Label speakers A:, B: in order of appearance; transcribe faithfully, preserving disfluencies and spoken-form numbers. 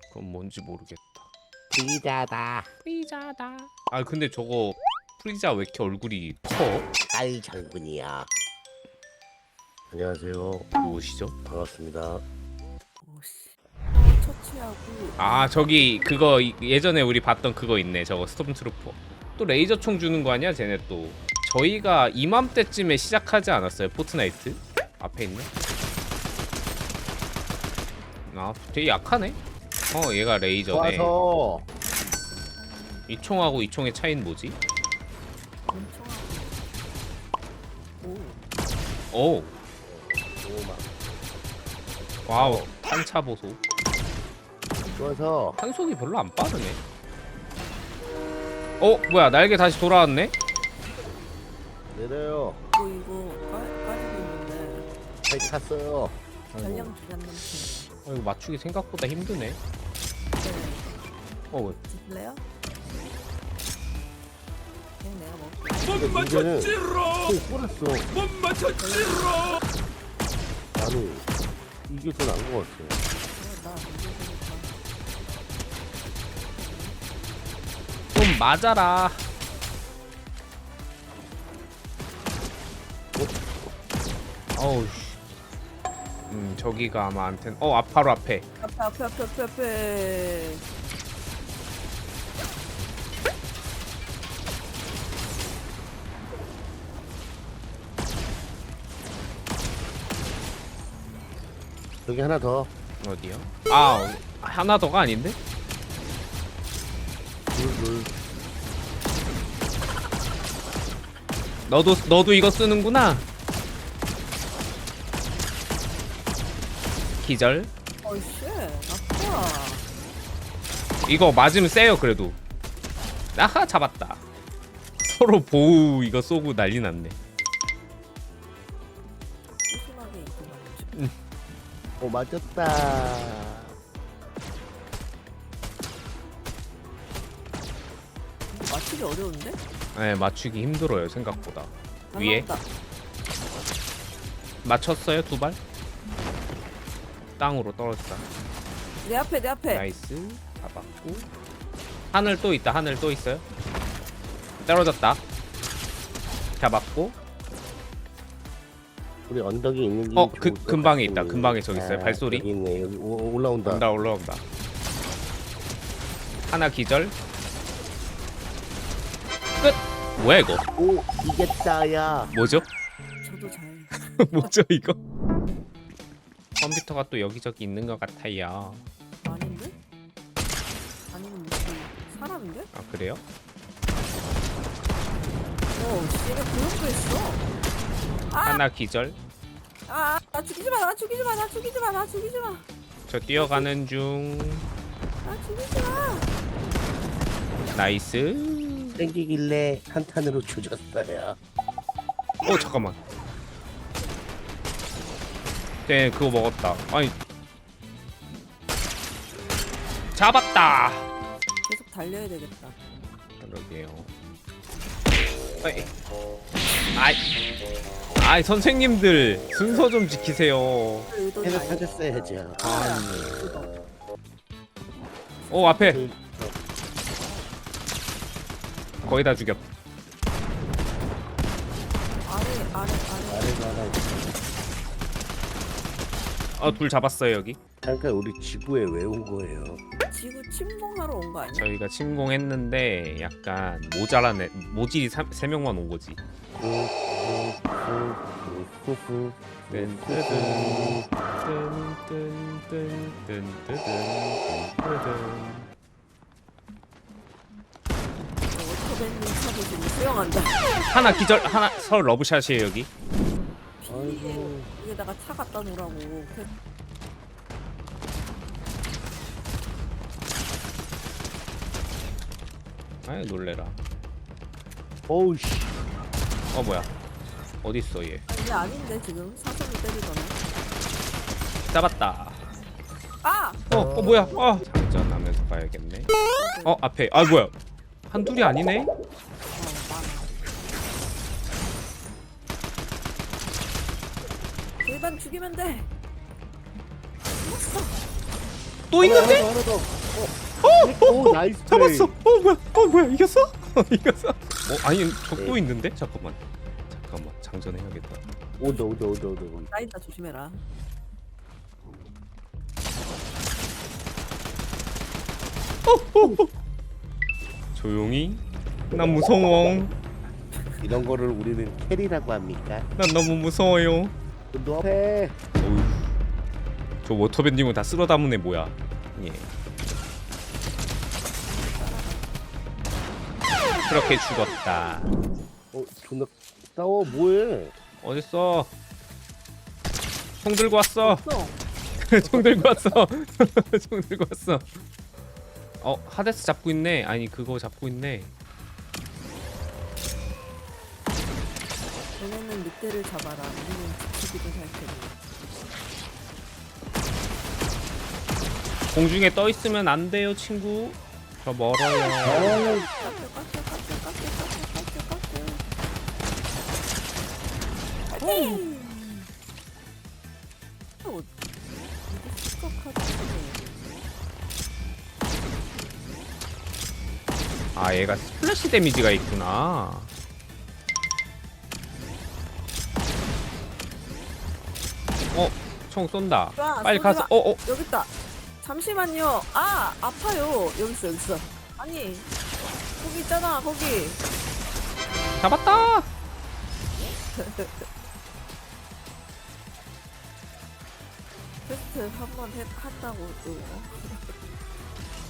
A: 그건 뭔지 모르겠다.
B: 프리자다.
A: 프리자다. 아 근데 저거 프리자 왜 이렇게 얼굴이 커?
B: 딸 장군이야. 안녕하세요.
A: 누구시죠?
B: 반갑습니다.
C: 오씨. 어, 처치하고.
A: 아 저기 그거 이- 예전에 우리 봤던 그거 있네. 저거 스톰트루퍼. 또 레이저 총 주는 거 아니야? 쟤네 또. 저희가 이맘때쯤에 시작하지 않았어요? 포트나이트? 앞에 있네. 아 되게 약하네. 어 얘가 레이저네.
B: 와서
A: 이 총하고 이 총의 차이는 뭐지?
C: 엄청 하고. 오.
A: 오
B: 오마.
A: 와우 탄차 보소.
B: 좋아서
A: 탄속이 별로 안 빠르네. 어 뭐야 날개 다시 돌아왔네?
B: 내려요.
C: 뭐 이거 까, 까지고 있는데
B: 잘 탔어요.
C: 전량 주간 남친.
A: 어, 이거 맞추기 생각보다 힘드네.
C: 네.
A: 어 왜?
C: 드실래요? 그냥 내가 먹을게.
B: 못 맞췄지롱. 뿌렸어.
D: 못 맞췄지롱.
B: 나는 이게 더 나은 것 같아.
C: 그래, 나 먼저 보니까.
A: 좀 맞아라. 어우 씨. 음 저기가 아마 안텐. 어 앞 바로 앞에.
C: 앞에 앞에 앞에 앞에 앞에.
B: 여기 하나 더.
A: 어디요? 아 하나 더가 아닌데?
B: 둘, 둘.
A: 너도 너도 이거 쓰는구나. 기절.
C: 어이씨. 아파.
A: 이거 맞으면 세요 그래도. 아하 잡았다. 서로 보우 이거 쏘고 난리 났네.
C: 소심하게 있구만.
B: 오 맞았다.
C: 맞추기 어려운데?
A: 네 맞추기 힘들어요 생각보다. 위에
C: 날라온다.
A: 맞췄어요 두 발. 땅으로 떨어졌다.
C: 내 앞에 내 앞에.
A: 나이스 잡았고. 하늘 또 있다. 하늘 또 있어요. 떨어졌다. 잡았고.
B: 우리 언덕이 있는
A: 어, 그 근방에 있다. 근방에 저기 있어요. 발소리.
B: 여기 있네. 여기 오, 올라온다.
A: 온다 올라온다. 하나 기절. 끝. 뭐야 이거?
B: 오 이겼다야.
A: 뭐죠?
C: 저도 잘.
A: 뭐죠 이거? 컴퓨터가 또 여기저기 있는 것 같아요.
C: 아닌데? 아니면 무슨 사람인데?
A: 아 그래요?
C: 어, 씨가 그런 거 있어.
A: 하나 기절.
C: 아, 나 죽이지 마, 나 죽이지 마, 나 죽이지 마, 나 죽이지 마,
A: 저 뛰어가는 중.
C: 나 죽이지 마.
A: 나이스.
B: 땡기길래 한탄으로 조졌어요.
A: 어 잠깐만. 네 그거 먹었다. 아니 잡았다.
C: 계속 달려야 되겠다.
A: 그러게요. 어이. 아이 아이 선생님들 순서 좀 지키세요.
C: 의도는
B: 해서
C: 아니야.
B: 찾았어야죠.
C: 의도.
A: 오 앞에 거의 다 죽였다.
C: 아래, 아래, 아래.
B: 아래도 하나 있어.
A: 어둘 잡았어요 여기.
B: 잠깐 우리 지구에 왜 온 거예요?
C: 지구 침공하러 온 거 아니야?
A: 저희가 침공했는데 약간 모자란 애, 모질이 삼- 세 명만 온 거지.
B: 후후후후후.
A: 뜬뜨든 뜬뜬뜬뜬뜬뜬뜬.
C: 워터밴드 차도 지금 수영한다.
A: 하나 기절 하나 서로 러브샷이에요 여기.
B: 아이고.
C: 여기다가 차 갖다 놓으라고.
A: 아이 놀래라.
B: 어우 씨.
A: 어 뭐야? 어디 있어 얘?
C: 아, 이게 아닌데 지금 사선을 때리잖아.
A: 잡았다.
C: 아!
A: 어, 어 뭐야? 어 장전하면서 가야겠네. 어 앞에 아 뭐야? 한둘이 아니네?
C: 어, 많아. 일반 죽이면 돼. 죽었어.
A: 또 있는데?
B: 하나 더, 하나 더.
A: 어, 어,
B: 오, 나이스 플레이.
A: 잡았어. 어 뭐야? 어 뭐야? 이겼어? 이겼어? 어 아니 적도
B: 네.
A: 있는데? 잠깐만. 잠깐만 장전해야겠다.
B: 온다, 온다, 온다, 온다. 온다.
C: 나인다 조심해라.
A: 조용히. 난 무서워.
B: 이런 거를 우리는 캐리라고 합니까?
A: 난 너무 무서워요.
B: 너 앞에.
A: 어휴. 저 워터밴딩은 다 쓸어 담은 애 뭐야? 예. 그렇게 죽었다.
B: 어, 존나 싸워. 뭐해?
A: 어딨어? 총 들고 왔어.
C: 어.
A: 총 들고 왔어. 총 들고 왔어. 어 하데스 잡고 있네. 아니 그거 잡고 있네.
C: 너네는 늑대를 잡아라. 우리는 지키기도 할 테니.
A: 공중에 떠 있으면 안 돼요, 친구. 저 멀어요.
B: 아,
C: 깎여 깎여 깎여 깎여 깎여 깎여 깎여. 파이팅! 어, 이게 시각하지.
A: 아 얘가 스플래시 데미지가 있구나. 어, 총 쏜다.
C: 좋아,
A: 빨리
C: 쏘지
A: 가서.
C: 마.
A: 어, 어.
C: 여기 있다. 잠시만요. 아 아파요. 여기 있어 여기 있어. 아니 거기 있잖아 거기.
A: 잡았다.
C: 테스트 한번 했다고 또.